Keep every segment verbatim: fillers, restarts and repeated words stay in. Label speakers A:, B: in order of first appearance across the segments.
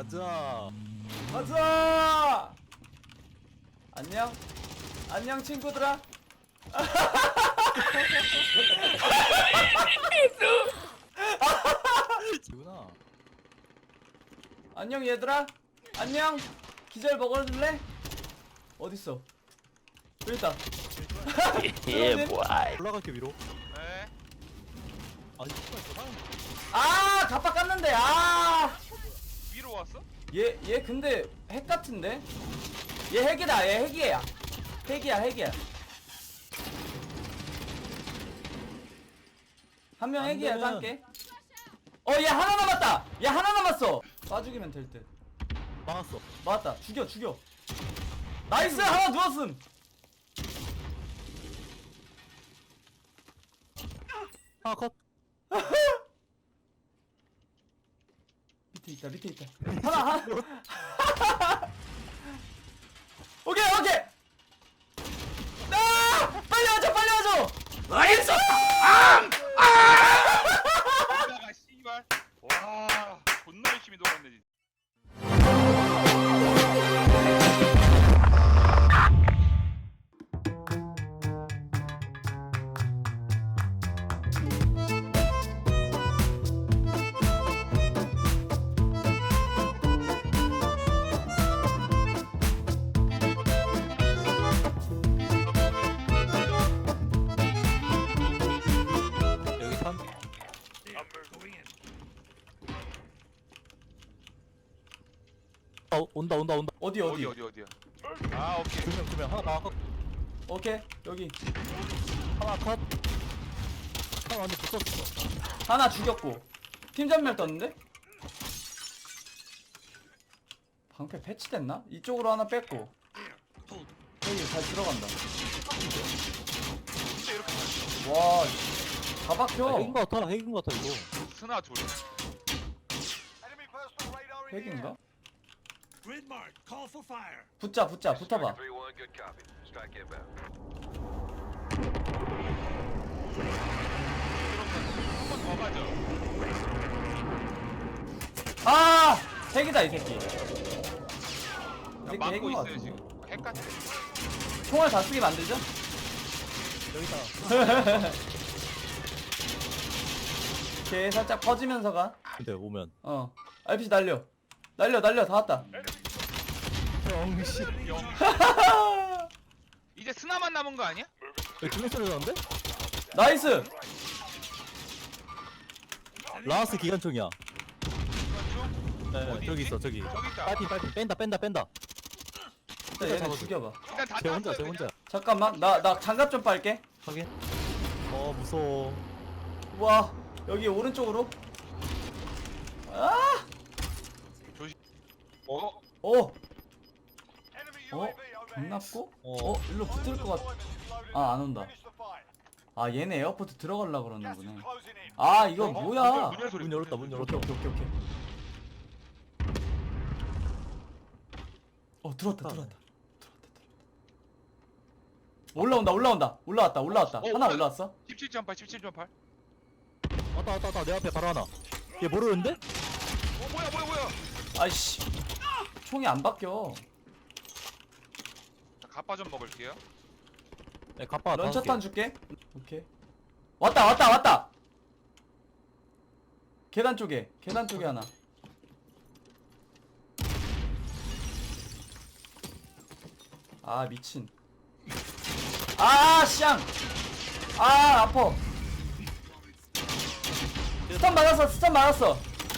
A: 가자.
B: 가자. 안녕. 안녕 친구들아.
A: 지구나.
B: 안녕 얘들아. 안녕. 기절 먹어줄래? 어딨어? 여기 있다.
C: 예, 뭐야.
A: 올라갈게 위로.
D: 네.
A: 아 이거 있어. 사람.
B: 아 갑박 깠는데. 아.
D: 위로 왔어?
B: 얘, 얘 근데 핵 같은데? 얘 핵이다. 얘 핵이야. 핵이야 핵이야. 한 명
A: 안
B: 핵이야.
A: 되면-
B: 딴게. 어 얘 하나 남았다. 얘 하나 남았어. 쏴죽이면 될 듯.
A: 막았어.
B: 맞다. 죽여 죽여. 나이스. 하나 누웠음.
A: 하나 컷.
B: 밑에 있다. 밑에 있다. 하나 하나. 오케이 오케이. 아! 빨리 와줘 빨리 와줘. 나이스.
D: 나가 씨발. 와, 존나 열심히 돌았네 진짜.
A: 여기 삼. 어, 온다 온다 온다.
B: 어디
D: 어디
B: 어디.
D: 어디 어디야? 아, 오케이.
A: 두명 두 명 하나 막았.
B: 오케이 여기.
A: 하나 컷. 하나 완전 붙었어.
B: 하나 죽였고. 팀 전멸 떴는데? 방패 패치됐나? 이쪽으로 하나 뺐고. 여기 잘 들어간다.
D: 진짜 이렇게 잘
B: 와, 다
A: 아,
B: 박혀.
A: 핵인 거 같아. 핵인 거 같아 이거.
D: 스나 둘.
B: 핵인가?
E: Grid mark. Call for fire.
B: 붙자, 붙자, 붙어봐.
D: 한 번 더 가죠.
B: 아! 핵이다, 이 새끼. 이
D: 그냥
B: 새끼
D: 막고
B: 핵인 것
D: 있어요
B: 같은데.
D: 지금. 핵 같아.
B: 총알 다 쓰게 만들죠?
A: 여기다.
B: 오케이, 살짝 퍼지면서 가.
A: 근데 오면.
B: 어. 알피지 날려. 날려, 날려, 다 왔다.
A: 정신.
D: 영. 이제 스나만 남은 거 아니야?
A: 여기 두명 소리 나는데?
B: 나이스!
A: 라스 기관총이야.
D: 중.
A: 네,
D: 어디
A: 저기
D: 있지?
A: 있어 저기.
D: 저기 있다.
A: 빨리 빨리 뺀다 뺀다 뺀다.
B: 일단 얘네
A: 잡아줘.
B: 죽여봐.
D: 일단 다
A: 쟤 혼자
D: 땄어요,
A: 쟤 혼자.
B: 잠깐만, 나, 나 장갑 좀 빨게.
A: 확인. 어 무서워.
B: 와, 여기 오른쪽으로. 아!
D: 조심. 어?
B: 오! 어? 경납고?
A: 어.
B: 어? 일로 붙을 것 같... 아, 안 온다. 아, 얘네 에어포트 들어가려고 그러는구나. 아, 이거
D: 어?
B: 뭐야?
D: 문 열 소리.
A: 문 열었다 문 열었다.
B: 오케이, 오케이, 오케이, 오케이. 어, 들어왔다, 들어왔다. 들어왔다, 들어왔다. 올라온다, 올라온다. 올라왔다, 올라왔다.
D: 어,
B: 하나
D: 올라-
B: 올라왔어?
D: 십칠 점 팔, 십칠 점 팔.
A: 왔다 왔다 왔다 내 앞에 바로 하나. 얘 모르는데?
D: 어, 뭐야 뭐야 뭐야.
B: 아이씨. 총이 안 바뀌어.
D: 자, 가빠 좀 먹을게요.
A: 네 갑바 다섯 개.
B: 런처탄 줄게. 오케이. 왔다, 왔다, 왔다! 계단 쪽에, 계단 쪽에 하나. 아, 미친. 아, 쌍! 아, 아파. 스턴 맞았어, 스턴 맞았어.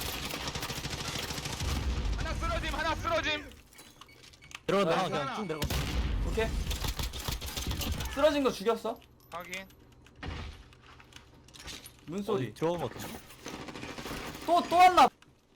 D: 하나 쓰러짐, 하나 쓰러짐.
A: 내려간다.
B: 아,
A: 하나 그냥
D: 하나.
A: 쭉 내려가.
B: 오케이. 쓰러진 거 죽였어.
D: 확인.
B: 문소리.
A: 들어간 거 같은데?
B: 또, 또 왔나?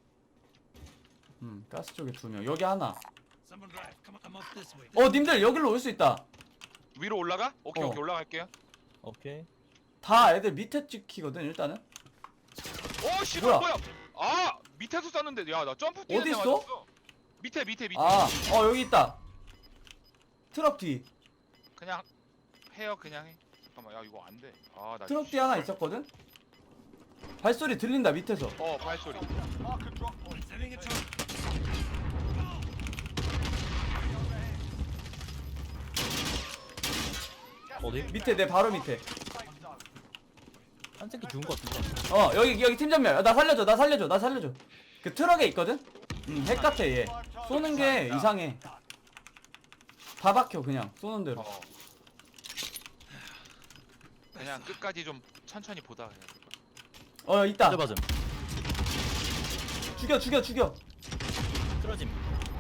B: 음, 가스 쪽에 두 명. 여기 하나.
E: Someone drive. Come on, I'm off this way.
B: 어, 님들 여기로 올 수 있다.
D: 위로 올라가? 오케이
B: 어.
D: 오케이 올라갈게요.
A: 오케이.
B: 다 애들 밑에 찍히거든, 일단은.
D: 오 씨,
B: 뭐야?
D: 뭐야? 뭐야? 아 밑에서 쐈는데 야 나 점프 뛰는
B: 어디
D: 데
B: 있어?
D: 맞았어. 밑에 밑에 밑에.
B: 아, 어, 여기 있다. 트럭 뒤.
D: 그냥 해요 그냥 해. 잠깐만 야 이거 안 돼. 아나
B: 트럭 뒤 하나 있었거든? 발소리 들린다, 밑에서.
D: 어 발소리.
E: Sending a truck.
A: 어디?
B: 밑에 내 바로 밑에.
A: 한 새끼 죽은 거 같은데.
B: 어 여기 여기 팀 전멸. 나 살려줘 나 살려줘 나 살려줘. 그 트럭에 있거든. 음핵 같아 얘. 쏘는 게 이상해. 다 박혀 그냥 쏘는 대로.
D: 어. 그냥 끝까지 좀 천천히 보다 그냥.
B: 어 있다.
A: 맞음.
B: 죽여 죽여 죽여.
A: 쓰러짐.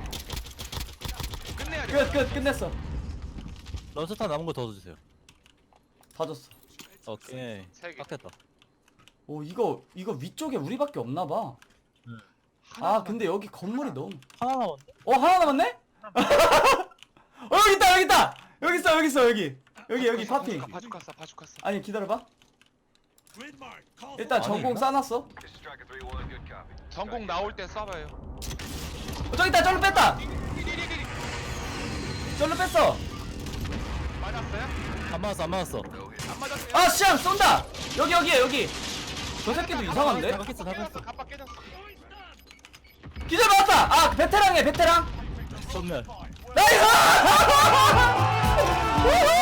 D: 끝내야 돼.
B: 끝 끝 끝냈어.
A: 런스타 남은 거 더 주세요.
B: 다 줬어.
A: 오케이.
D: 세 개.
A: 딱 됐다.
B: 오 이거 이거 위쪽에 우리밖에 없나 봐. 아 근데 여기 건물이 너무.
A: 하나 남았네.
B: 어 하나 남았네? 어 여기 있다 여기 있다. 여기 있어 여기 있어 여기. 여기 여기 파핑.
D: 바주카스 바주카스.
B: 아니 기다려봐.
E: Grid mark. Call for
B: 일단
A: 아니,
B: 전공
A: 이거?
B: 싸놨어.
D: 전공 나올 때 쏴봐요.
B: 어, 저기 있다 절로 뺐다. 절로 뺐어.
D: 맞았어요?
A: 안 맞았어 안 맞았어.
D: 안 맞았어요?
B: 아 시암 쏜다. 여기 여기에 여기. 저 새끼도 이상한데?
A: 다 깼어 다 깼어.
D: 갑바 깨졌어.
B: 기절 맞았다. 아 베테랑이야 베테랑.
A: 전멸.
B: 나이스. 우후!